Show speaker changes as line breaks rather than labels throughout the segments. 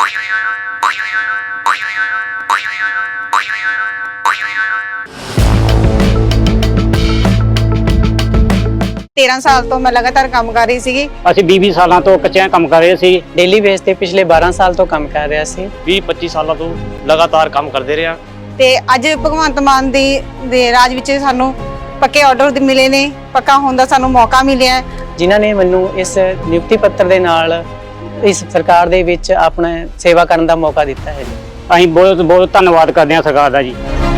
तेरह साल तो मैं लगातार काम कर रही सी।
ਅਸੀਂ 20 ਸਾਲਾਂ ਤੋਂ ਕੱਚਿਆਂ ਕੰਮ ਕਰ ਰਹੇ ਸੀ।
डेली बेस ते पिछले 12 साल तो काम कर रहा सी।
20-25 ਸਾਲਾਂ ਤੋਂ ਲਗਾਤਾਰ ਕੰਮ ਕਰਦੇ ਰਹੇ ਹਾਂ।
ਤੇ ਅੱਜ ਭਗਵੰਤ ਮਾਨ ਦੇ ਰਾਜ ਵਿੱਚ ਸਾਨੂੰ ਪੱਕੇ ਆਰਡਰ ਮਿਲੇ ਨੇ, ਪੱਕਾ ਹੋਣ ਦਾ ਸਾਨੂੰ ਮੌਕਾ ਮਿਲਿਆ।
ਜਿਨ੍ਹਾਂ ਨੇ ਮੈਨੂੰ ਇਸ ਨਿਯੁਕਤੀ ਪੱਤਰ ਦੇ ਨਾਲ ਇਸ ਸਰਕਾਰ ਦੇ ਵਿੱਚ ਆਪਣਾ ਸੇਵਾ ਕਰਨ ਦਾ ਮੌਕਾ ਦਿੱਤਾ ਹੈ।
ਅਸੀਂ ਬਹੁਤ ਬਹੁਤ ਧੰਨਵਾਦ ਕਰਦੇ ਹਾਂ ਸਰਕਾਰ ਦਾ ਜੀ।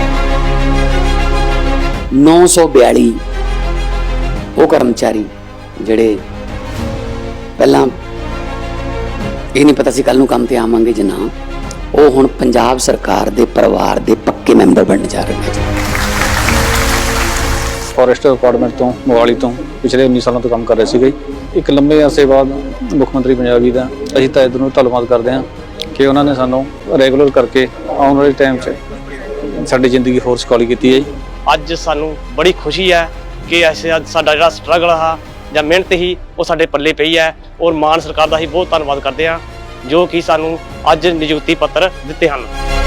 942 ਉਹ ਕਰਮਚਾਰੀ ਜਿਹੜੇ ਪਹਿਲਾਂ ਇਹ ਨਹੀਂ ਪਤਾ ਸੀ ਕੱਲ ਨੂੰ ਕੰਮ ਤੇ ਆਵਾਂਗੇ ਜਾਂ ਨਾ, ਉਹ ਹੁਣ ਪੰਜਾਬ ਸਰਕਾਰ ਦੇ ਪਰਿਵਾਰ ਦੇ ਪੱਕੇ ਮੈਂਬਰ ਬਣਨ ਜਾ ਰਹੇ ਨੇ।
ਫੋਰੈਸਟ ਡਿਪਾਰਟਮੈਂਟ ਤੋਂ ਮੋਹਾਲੀ ਤੋਂ ਪਿਛਲੇ 19 ਸਾਲਾਂ ਤੋਂ ਕੰਮ ਕਰ ਰਹੇ ਸੀਗੇ। ਇੱਕ ਲੰਬੇ ਅਰਸੇ ਬਾਅਦ ਮੁੱਖ ਮੰਤਰੀ ਪੰਜਾਬ ਜੀ ਦਾ ਅਸੀਂ ਤਾਂ ਇੱਧਰ ਨੂੰ ਧੰਨਵਾਦ ਕਰਦੇ ਹਾਂ ਕਿ ਉਹਨਾਂ ਨੇ ਸਾਨੂੰ ਰੈਗੂਲਰ ਕਰਕੇ ਆਉਣ ਵਾਲੇ ਟਾਈਮ 'ਚ ਸਾਡੀ ਜ਼ਿੰਦਗੀ ਹੋਰ ਸੁਖਾਲੀ ਕੀਤੀ ਹੈ ਜੀ।
ਅੱਜ ਸਾਨੂੰ ਬੜੀ ਖੁਸ਼ੀ ਹੈ ਕਿ ਅਸੀਂ ਅੱਜ ਸਾਡਾ ਜਿਹੜਾ ਸਟਰਗਲ ਆ ਜਾਂ ਮਿਹਨਤ ਹੀ ਉਹ ਸਾਡੇ ਪੱਲੇ ਪਈ ਹੈ, ਔਰ ਮਾਨ ਸਰਕਾਰ ਦਾ ਹੀ ਬਹੁਤ ਧੰਨਵਾਦ ਕਰਦੇ ਹਾਂ ਜੋ ਕਿ ਸਾਨੂੰ ਅੱਜ ਨਿਯੁਕਤੀ ਪੱਤਰ ਦਿੱਤੇ ਹਨ।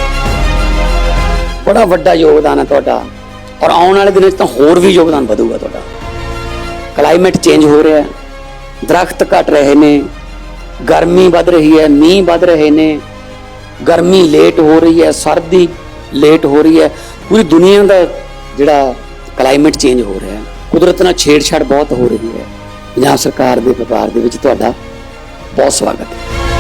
ਬੜਾ ਵੱਡਾ ਯੋਗਦਾਨ ਹੈ ਤੁਹਾਡਾ, ਔਰ ਆਉਣ ਵਾਲੇ ਦਿਨਾਂ 'ਚ ਤਾਂ ਹੋਰ ਵੀ ਯੋਗਦਾਨ ਵਧੂਗਾ ਤੁਹਾਡਾ। ਕਲਾਈਮੇਟ ਚੇਂਜ ਹੋ ਰਿਹਾ ਹੈ, ਦਰਖਤ ਘਟ ਰਹੇ ਨੇ, ਗਰਮੀ ਵੱਧ ਰਹੀ ਹੈ, ਮੀਂਹ ਵੱਧ ਰਹੇ ਨੇ, ਗਰਮੀ ਲੇਟ ਹੋ ਰਹੀ ਹੈ, ਸਰਦੀ ਲੇਟ ਹੋ ਰਹੀ ਹੈ। ਪੂਰੀ ਦੁਨੀਆ ਦਾ ਜਿਹੜਾ ਕਲਾਈਮੇਟ ਚੇਂਜ ਹੋ ਰਿਹਾ ਹੈ, ਕੁਦਰਤ ਨਾਲ ਛੇੜਛਾੜ ਬਹੁਤ ਹੋ ਰਹੀ ਹੈ। ਪੰਜਾਬ ਸਰਕਾਰ ਦੇ ਵਪਾਰ ਦੇ ਵਿੱਚ ਤੁਹਾਡਾ ਬਹੁਤ ਸਵਾਗਤ ਹੈ।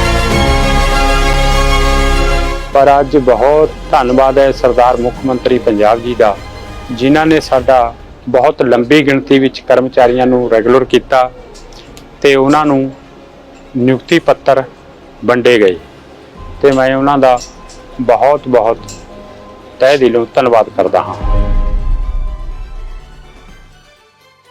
ਪਰ ਅੱਜ ਬਹੁਤ ਧੰਨਵਾਦ ਹੈ ਸਰਦਾਰ ਮੁੱਖ ਮੰਤਰੀ ਪੰਜਾਬ ਜੀ ਦਾ, ਜਿਨ੍ਹਾਂ ਨੇ ਸਾਡਾ ਬਹੁਤ ਲੰਬੀ ਗਿਣਤੀ ਵਿੱਚ ਕਰਮਚਾਰੀਆਂ ਨੂੰ ਰੈਗੂਲਰ ਕੀਤਾ ਤੇ ਉਹਨਾਂ ਨੂੰ ਨਿਯੁਕਤੀ ਪੱਤਰ ਵੰਡੇ ਗਏ ਤੇ ਮੈਂ ਉਹਨਾਂ ਦਾ ਬਹੁਤ ਬਹੁਤ ਤਹਿ ਦਿਲੋਂ ਧੰਨਵਾਦ ਕਰਦਾ ਹਾਂ।